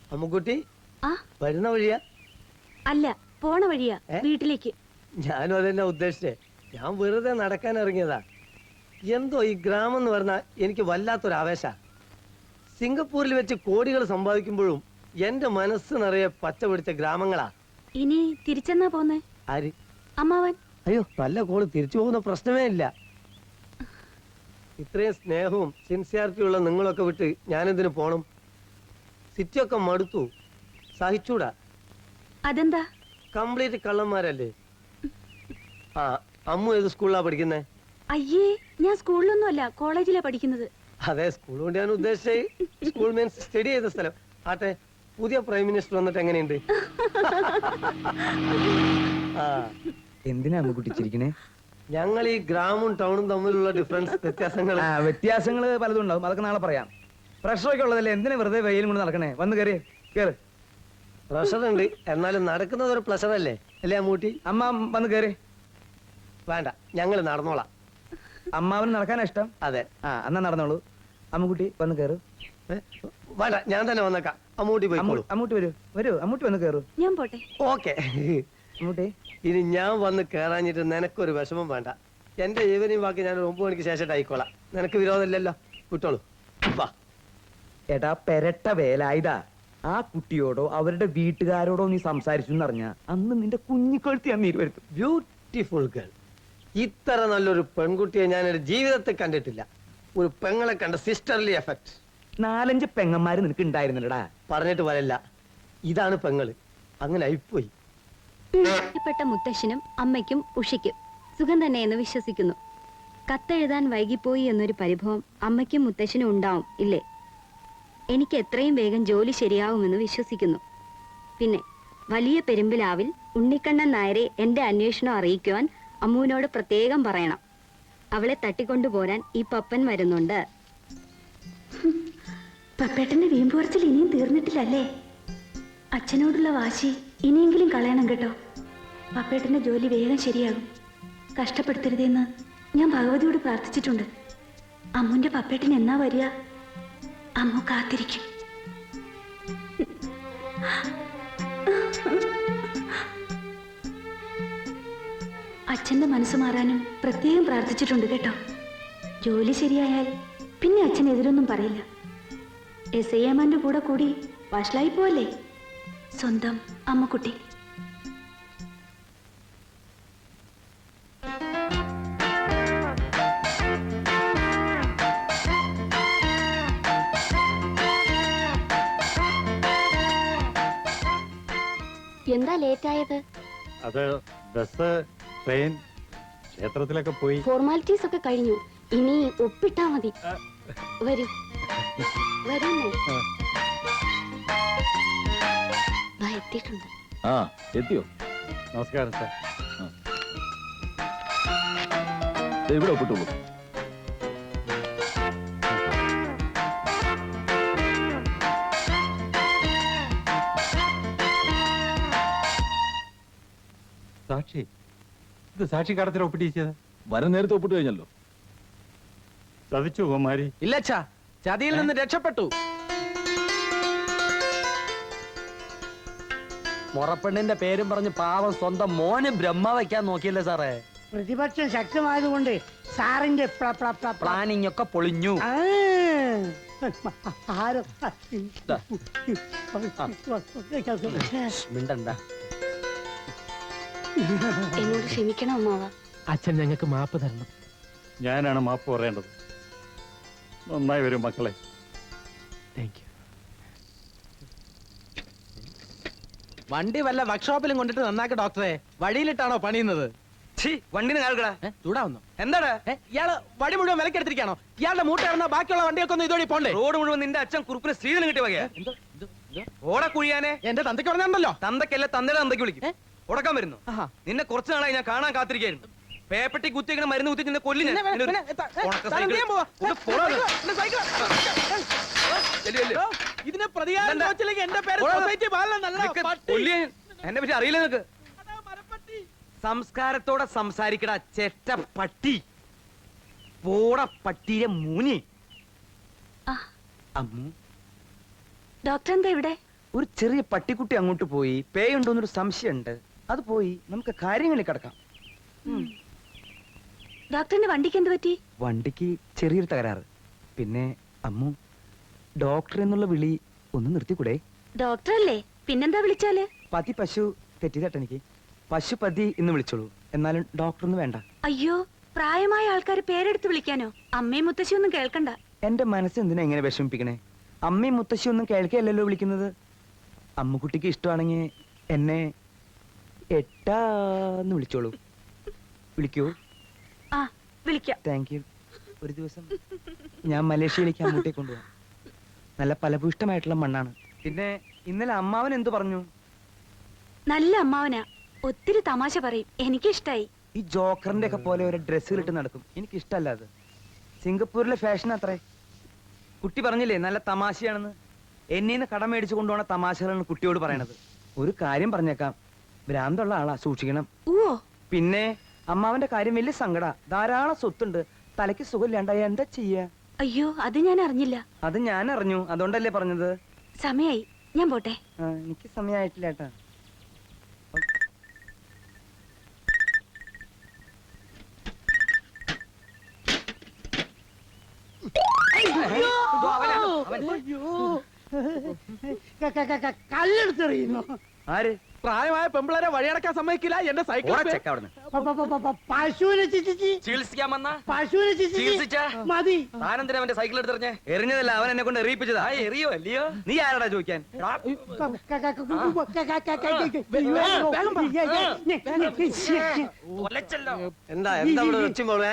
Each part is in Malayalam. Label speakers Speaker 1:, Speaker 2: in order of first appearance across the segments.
Speaker 1: അമ്മുക്കുട്ടി
Speaker 2: ആ
Speaker 1: വരുന്ന വഴിയാ?
Speaker 2: അല്ല, പോണ വഴിയാ വീട്ടിലേക്ക്.
Speaker 1: ഞാനും അതെന്നെ ഉദ്ദേശിച്ചേ. ഞാൻ വെറുതെ നടക്കാൻ ഇറങ്ങിയതാ. എന്തോ ഈ ഗ്രാമം എന്ന് പറഞ്ഞാൽ എനിക്ക് വല്ലാത്തൊരു ആവേശ. സിംഗപ്പൂരിൽ വെച്ച് കോടികൾ സമ്പാദിക്കുമ്പോഴും എന്റെ മനസ്സ് നിറയെ പച്ച പിടിച്ച ഗ്രാമങ്ങളാ.
Speaker 2: ഇനി തിരിച്ചെന്നാ പോന്നേ?
Speaker 1: ആര്?
Speaker 2: അമ്മാവൻ.
Speaker 1: അയ്യോ, നല്ല കോള് തിരിച്ചു പോകുന്ന പ്രശ്നമേ ഇല്ല. ഇത്രയും സ്നേഹവും സിൻസിയാരിറ്റിയും ഉള്ള നിങ്ങളൊക്കെ വിട്ട് ഞാനെന്തിനു പോണം? സിറ്റിയൊക്കെ മടുത്തു, സഹിച്ചൂടാ.
Speaker 2: അതെന്താ?
Speaker 1: കംപ്ലീറ്റ് കള്ളന്മാരല്ലേ. ആ, അമ്മു ഏത് സ്കൂളിലാ പഠിക്കുന്നേ?
Speaker 2: അയ്യേ, ഞാൻ സ്കൂളിലൊന്നും അല്ല, കോളേജിലാ പഠിക്കുന്നത്.
Speaker 1: അതെ, സ്കൂൾ കൊണ്ട് ഞാൻ ഉദ്ദേശിച്ച സ്കൂൾ മീൻസ് സ്റ്റഡി ചെയ്ത സ്ഥലം. ആട്ടെ, പുതിയ പ്രൈം മിനിസ്റ്റർ വന്നിട്ട് എങ്ങനെയുണ്ട്?
Speaker 3: എന്തിനാ അമ്മുക്കുട്ടി ചിരിക്കണേ?
Speaker 1: ഞങ്ങൾ ഈ ഗ്രാമവും ടൗണും തമ്മിലുള്ള
Speaker 3: വ്യത്യാസങ്ങൾ പലതും ഉണ്ടാവും, അതൊക്കെ നാളെ പറയാം. പ്രഷറൊക്കെ ഉള്ളതല്ലേ, എന്തിനാ വെറുതെ വെയിലും കൊണ്ട് നടക്കണേ? വന്ന് കയറി കേറ്.
Speaker 1: പ്രഷർ ഉണ്ട്, എന്നാലും നടക്കുന്നത് ഒരു പ്ലഷർ അല്ലേ അല്ലേ അമ്മൂട്ടി?
Speaker 3: അമ്മ വന്ന് കയറി.
Speaker 1: വേണ്ട, ഞങ്ങൾ നടന്നോളാം.
Speaker 3: അമ്മാവന് നടക്കാനാ ഇഷ്ടം?
Speaker 1: അതെ.
Speaker 3: എന്നാ നടന്നോളൂ. അമ്മുക്കുട്ടി വന്ന് കയറു.
Speaker 1: വേണ്ട, ഞാൻ തന്നെ വന്നേക്കാം. അമ്മൂട്ടി പോയിക്കോളൂ.
Speaker 3: അമ്മൂട്ടി വരൂ, അമ്മൂട്ടി വന്ന് കയറൂ.
Speaker 2: ഞാൻ പോട്ടെ.
Speaker 1: ഓക്കെ.
Speaker 3: അമ്മൂട്ടി,
Speaker 1: ഇനി ഞാൻ വന്ന് കേറാഞ്ഞിട്ട് നിനക്കൊരു വിഷമം വേണ്ട. എന്റെ ഈവനിങ് ബാക്കി ഞാൻ 9 മണിക്ക് ശേഷം ആയിക്കോളാം. നിനക്ക് വിരോധമില്ലല്ലോ, വിട്ടോളൂ. വാ.
Speaker 3: എടാ പെരട്ട വേലായുധാ, ആ കുട്ടിയോടോ അവരുടെ വീട്ടുകാരോടോ നീ സംസാരിച്ചു എന്നറിഞ്ഞ അന്ന് നിന്റെ കുഞ്ഞിക്കൊഴുത്തി ഞാൻ നീരുവരുത്തും.
Speaker 1: Beautiful girl. ഇത്ര നല്ലൊരു പെൺകുട്ടിയെ ഞാൻ എന്റെ ജീവിതത്തിൽ കണ്ടിട്ടില്ല. ഒരു പെങ്ങളെ കണ്ട സിസ്റ്റർലി എഫക്ട്.
Speaker 3: 4-5 പെങ്ങന്മാര് നിനക്ക് ഉണ്ടായിരുന്നില്ലടാ.
Speaker 1: പറഞ്ഞിട്ട് വരല്ല, ഇതാണ് പെങ്ങള്. അങ്ങനെ ആയിപ്പോയി.
Speaker 2: പ്രിയപ്പെട്ട മുത്തശ്ശനും അമ്മയ്ക്കും ഉഷയ്ക്കും സുഖം തന്നെയെന്ന് വിശ്വസിക്കുന്നു. കത്തെഴുതാൻ വൈകിപ്പോയി എന്നൊരു പരിഭവം അമ്മയ്ക്കും മുത്തശ്ശനും ഉണ്ടാവും ഇല്ലേ? എനിക്ക് എത്രയും വേഗം ജോലി ശരിയാവുമെന്ന് വിശ്വസിക്കുന്നു. പിന്നെ വലിയ പെരുമ്പിലാവിൽ ഉണ്ണിക്കണ്ണൻ നായരെ എന്റെ അന്വേഷണം അറിയിക്കുവാൻ അമ്മുവിനോട് പ്രത്യേകം പറയണം. അവളെ തട്ടിക്കൊണ്ടുപോരാൻ ഈ പപ്പൻ വരുന്നുണ്ട്. പപ്പേട്ടന്റെ വീമ്പുറച്ചിൽ ഇനിയും തീർന്നിട്ടില്ലല്ലേ? അച്ഛനോടുള്ള വാശി ഇനിയെങ്കിലും കളയണം കേട്ടോ. പപ്പേട്ടന്റെ ജോലി വേഗം ശരിയാകും. കഷ്ടപ്പെടുത്തരുതെന്ന് ഞാൻ ഭഗവതിയോട് പ്രാർത്ഥിച്ചിട്ടുണ്ട്. അമ്മുന്റെ പപ്പേട്ടൻ എന്നാ വരിക? അമ്മു കാത്തിരിക്കും. അച്ഛന്റെ മനസ്സ് മാറാനും പ്രത്യേകം പ്രാർത്ഥിച്ചിട്ടുണ്ട് കേട്ടോ. ജോലി ശരിയായാൽ പിന്നെ അച്ഛൻ എതിരൊന്നും പറയില്ല. SIമാന്റെ കൂടെ കൂടി വഷളായി പോവല്ലേ സ്വന്തം അമ്മക്കുട്ടി. എന്താ ലേറ്റ് ആയത്?
Speaker 4: അത് ബസ്, ട്രെയിൻ, ക്ഷേത്രത്തിലൊക്കെ പോയി.
Speaker 2: ഫോർമാലിറ്റീസ് ഒക്കെ കഴിഞ്ഞു, ഇനി ഒപ്പിട്ടാ മതി. വരൂ വരൂന്നേ. എത്തിയിട്ടുണ്ട്.
Speaker 5: എത്തിയോ?
Speaker 4: നമസ്കാരം സാർ.
Speaker 5: ഇവിടെ ഒപ്പിട്ടുള്ളൂ.
Speaker 4: സാക്ഷി, ഇത് സാക്ഷി കടത്തിൽ ഒപ്പിട്ടിച്ചത്?
Speaker 5: വരം നേരത്തെ ഒപ്പിട്ട് കഴിഞ്ഞല്ലോ.
Speaker 4: ചതിച്ചു കുമാരി.
Speaker 3: ഇല്ലച്ചാ, ചതിയിൽ നിന്ന് രക്ഷപ്പെട്ടു.
Speaker 6: മുറപ്പെണ്ണിന്റെ പേരും പറഞ്ഞ് പാവം സ്വന്തം മോന് ബ്രഹ്മ വയ്ക്കാൻ നോക്കിയല്ലേ സാറേ?
Speaker 7: പ്രതിപക്ഷം ശക്തമായതുകൊണ്ട് സാറിന്റെ
Speaker 6: പ്ലാനിങ് ഒക്കെ പൊളിഞ്ഞു. മിണ്ടണ്ട.
Speaker 2: എന്നോട് ക്ഷമിക്കണം അമ്മാവ.
Speaker 8: അച്ഛൻ ഞങ്ങൾക്ക് മാപ്പ് തരണം.
Speaker 4: ഞാനാണ് മാപ്പ് പറയേണ്ടത്. നന്നായി വരും മക്കളെ.
Speaker 8: Thank you.
Speaker 6: വണ്ടി വല്ല വർക്ക്ഷോപ്പിലും കൊണ്ടിട്ട് നന്നാക്കി ഡോക്ടറെ. വഴിയിലിട്ടാണോ പണിയുന്നത്?
Speaker 3: വണ്ടിന് കാൽക്കടാ.
Speaker 6: ചൂടാവുന്നു.
Speaker 3: എന്താടാ
Speaker 6: ഇയാള് വഴി മുഴുവൻ വിലക്കെടുത്തിരിക്കാണോ? ഇയാളുടെ മൂട്ടായിരുന്ന ബാക്കിയുള്ള വണ്ടിയൊക്കെ ഒന്ന് ഇതോടി പോണ്ടേ?
Speaker 3: റോഡ് മുഴുവൻ നിന്റെ അച്ഛൻ കുറുപ്പിന് സ്ത്രീധനം കിട്ടി വകയാ. ഓടെ കുഴിയാനെ.
Speaker 6: എന്റെ തന്തയ്ക്ക് പറഞ്ഞുണ്ടല്ലോ.
Speaker 3: തന്തക്കല്ല, തന്തയുടെ തന്തയ്ക്ക് വിളിക്കും. ഉടക്കാൻ വരുന്നു. നിന്നെ കുറച്ച് നാളായി ഞാൻ കാണാൻ കാത്തിരിക്കായിരുന്നു. പേപ്പട്ടി കുത്തിങ്ങനെ മരുന്ന് കുത്തി നിന്നെ കൊല്ലി.
Speaker 6: ഇതിനെ പ്രതികാരം എന്റെ പേര്
Speaker 3: എന്നെ പറ്റി അറിയില്ല നിനക്ക്. സംസ്കാരത്തോടെ സംസാരിക്കട ചെറ്റ പട്ടി. പോട പട്ടിയെ മൂനി.
Speaker 2: ഡോക്ടർ എന്താ ഇവിടെ?
Speaker 3: ഒരു ചെറിയ പട്ടിക്കുട്ടി അങ്ങോട്ട് പോയി പേയുണ്ടോന്നൊരു സംശയമുണ്ട്. അത് പോയി നമുക്ക് കാര്യങ്ങളിൽ കിടക്കാം.
Speaker 2: ഡോക്ടറിന്റെ വണ്ടിക്ക് എന്ത് പറ്റി?
Speaker 3: വണ്ടിക്ക് ചെറിയൊരു തകരാറ്. പിന്നെ അമ്മു, ഡോക്ടർ എന്നുള്ള വിളി ഒന്ന് നിർത്തിക്കൂടെ?
Speaker 2: ഡോക്ടറല്ലേ, പിന്നെന്താ വിളിച്ചാല്?
Speaker 3: പതി പശു തെറ്റിതട്ട എനിക്ക്. പശുപതി എന്ന് വിളിച്ചോളൂ, എന്നാലും ഡോക്ടർ ഒന്നും വേണ്ട.
Speaker 2: അയ്യോ, പ്രായമായ ആൾക്കാർ പേരെടുത്ത് വിളിക്കാനോ? അമ്മയും മുത്തശ്ശി ഒന്നും കേൾക്കണ്ട.
Speaker 3: എന്റെ മനസ്സ് എന്തിനാ എങ്ങനെ വിഷമിപ്പിക്കണേ? അമ്മയും മുത്തശ്ശി ഒന്നും കേൾക്കുകയല്ലല്ലോ വിളിക്കുന്നത്. അമ്മുക്കുട്ടിക്ക് ഇഷ്ടമാണെങ്കിൽ എന്നെ എട്ടാന്ന് വിളിച്ചോളൂ. വിളിക്കൂ.
Speaker 2: ആ, വിളിക്കാം.
Speaker 3: Thank you. ഒരു ദിവസം ഞാൻ മലേഷ്യയിലേക്ക് അങ്ങോട്ടേ കൊണ്ടുപോകാം. നല്ല ഫലഭൂഷ്ടമായിട്ടുള്ള മണ്ണാണ്. പിന്നെ ഇന്നലെ അമ്മാവൻ എന്തു പറഞ്ഞു?
Speaker 2: നല്ല അമ്മാവനാ, ഒത്തിരി തമാശ പറയും. എനിക്കിഷ്ടായി.
Speaker 3: ഈ ജോക്കറിന്റെ ഒക്കെ പോലെ ഒരു ഡ്രസ്സുകൾ ഇട്ട് നടക്കും. എനിക്ക് ഇഷ്ടമല്ല അത്. സിംഗപ്പൂരിലെ ഫാഷൻ അത്രേ. കുട്ടി പറഞ്ഞില്ലേ നല്ല തമാശയാണെന്ന്. എന്നീന്ന് കടം മേടിച്ചു കൊണ്ടുപോണ തമാശകളാണ് കുട്ടിയോട് പറയണത്. ഒരു കാര്യം പറഞ്ഞേക്കാം, ഭ്രാന്തുള്ള ആളാ, സൂക്ഷിക്കണം.
Speaker 2: ഓ,
Speaker 3: പിന്നെ അമ്മാവന്റെ കാര്യം വലിയ സങ്കട. ധാരാളം സ്വത്തുണ്ട്, തലയ്ക്ക് സുഖമില്ലാണ്ടായ എന്താ ചെയ്യാ?
Speaker 2: അയ്യോ, അത് ഞാൻ അറിഞ്ഞില്ല.
Speaker 3: അത് ഞാൻ അറിഞ്ഞു, അതുകൊണ്ടല്ലേ പറഞ്ഞത്.
Speaker 2: സമയായി, ഞാൻ പോട്ടെ.
Speaker 3: എനിക്ക് സമയമായിട്ടില്ല ഏട്ടാ.
Speaker 7: കല്ലെടുത്തെറിയുന്നു.
Speaker 3: ആര്?
Speaker 6: പ്രായമായ പെമ്പിളരെ വഴിയടക്കാൻ സമ്മതിക്കില്ല. എന്റെ സൈക്കിൾ
Speaker 7: പശുവിനെ ചിച്ചിച്ച്
Speaker 3: ചികിത്സിക്കാൻ വന്ന
Speaker 7: പശുവിനെ
Speaker 3: ചികിത്സിച്ച?
Speaker 7: ചിച്ചിച്ച് മതി.
Speaker 3: താനെന്തിനാ അവന്റെ സൈക്കിൾ എടുത്തെറിഞ്ഞേ? എറിഞ്ഞതല്ല, അവൻ എന്നെ കൊണ്ട് എറിയിപ്പിച്ചതാ. എറിയോ അല്ലയോ? നീ ആരാടാ ചോദിക്കാൻ?
Speaker 1: എന്താ എന്താ ഇവിടെ വെച്ചുമ്പോളേ?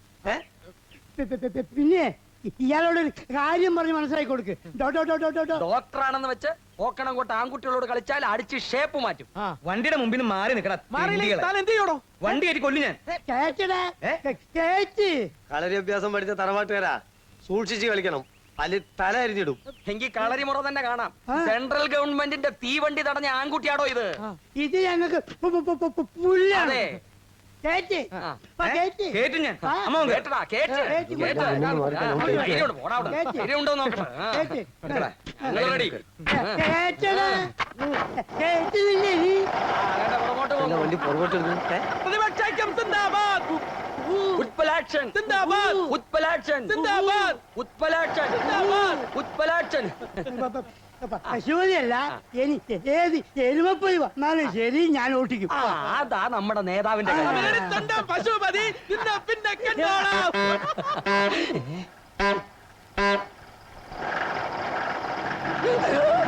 Speaker 7: പിന്നെ ഇയാളോട് ഒരു കാര്യം പറഞ്ഞ് മനസ്സിലാക്കി കൊടുക്ക്.
Speaker 3: ഡോക്ടറാണെന്ന് വെച്ച് ഓക്കണം കൊണ്ട് ആൺകുട്ടികളോട് കളിച്ചാൽ അടിച്ച് ഷേപ്പ് മാറ്റും. വണ്ടിയുടെ മുമ്പിൽ നിന്ന് മാറി നിൽക്കടാ.
Speaker 6: എന്ത് ചെയ്യണോ?
Speaker 3: വണ്ടി കയറ്റി കൊല്ലു ഞാൻ.
Speaker 7: കേറ്റ്
Speaker 1: കളരി അഭ്യാസം പഠിച്ച തറവാട്ടുകാരാ, സൂക്ഷിച്ച് കളിക്കണം. അല്ലെ തല അരിഞ്ഞിടും.
Speaker 3: എങ്കിൽ കളരി മുറ തന്നെ കാണാം. സെൻട്രൽ ഗവൺമെന്റിന്റെ തീവണ്ടി തടഞ്ഞ ആൺകുട്ടിയാടോ ഇത്?
Speaker 7: ഇത് ഞങ്ങൾക്ക് പുല്ലാണ്.
Speaker 3: അതെ.
Speaker 7: കേറ്റ് കേറ്റ്
Speaker 3: കേട്ടു ഞാൻ. അമ്മ കേട്ടടാ, കേട്ട്
Speaker 7: കേറ്റ്
Speaker 3: കേട്ട്. ധൈര്യമുണ്ട്, പോടാ അവിടെ. ധൈര്യമുണ്ടോ നോക്കട്ടെ.
Speaker 7: കേറ്റ്
Speaker 3: ഞങ്ങൾ റെഡി.
Speaker 7: കേറ്റടാ. കേട്ടില്ലേ നീ?
Speaker 3: പുറകോട്ട്
Speaker 1: എന്താ വണ്ടി പുറകോട്ട് എടുക്കും?
Speaker 6: പ്രതിപക്ഷം സിന്ദാബാദ്,
Speaker 3: ഉത്പലാക്ഷൻ,
Speaker 6: സിന്ദാബാദ്,
Speaker 3: ഉത്പലാക്ഷൻ,
Speaker 6: സിന്ദാബാദ്,
Speaker 3: ഉത്പലാക്ഷൻ,
Speaker 6: സിന്ദാബാദ്.
Speaker 3: ഉത്പലാക്ഷൻ.
Speaker 7: പശുവിനല്ല, എനിക്ക് ഏത് എരുമപ്പൊലി വന്നാലും ശരി ഞാൻ ഓട്ടിക്കും.
Speaker 3: അതാ നമ്മുടെ നേതാവിന്റെ കാര്യം.
Speaker 6: പശുപതി പിന്നെ കണ്ടോളാം.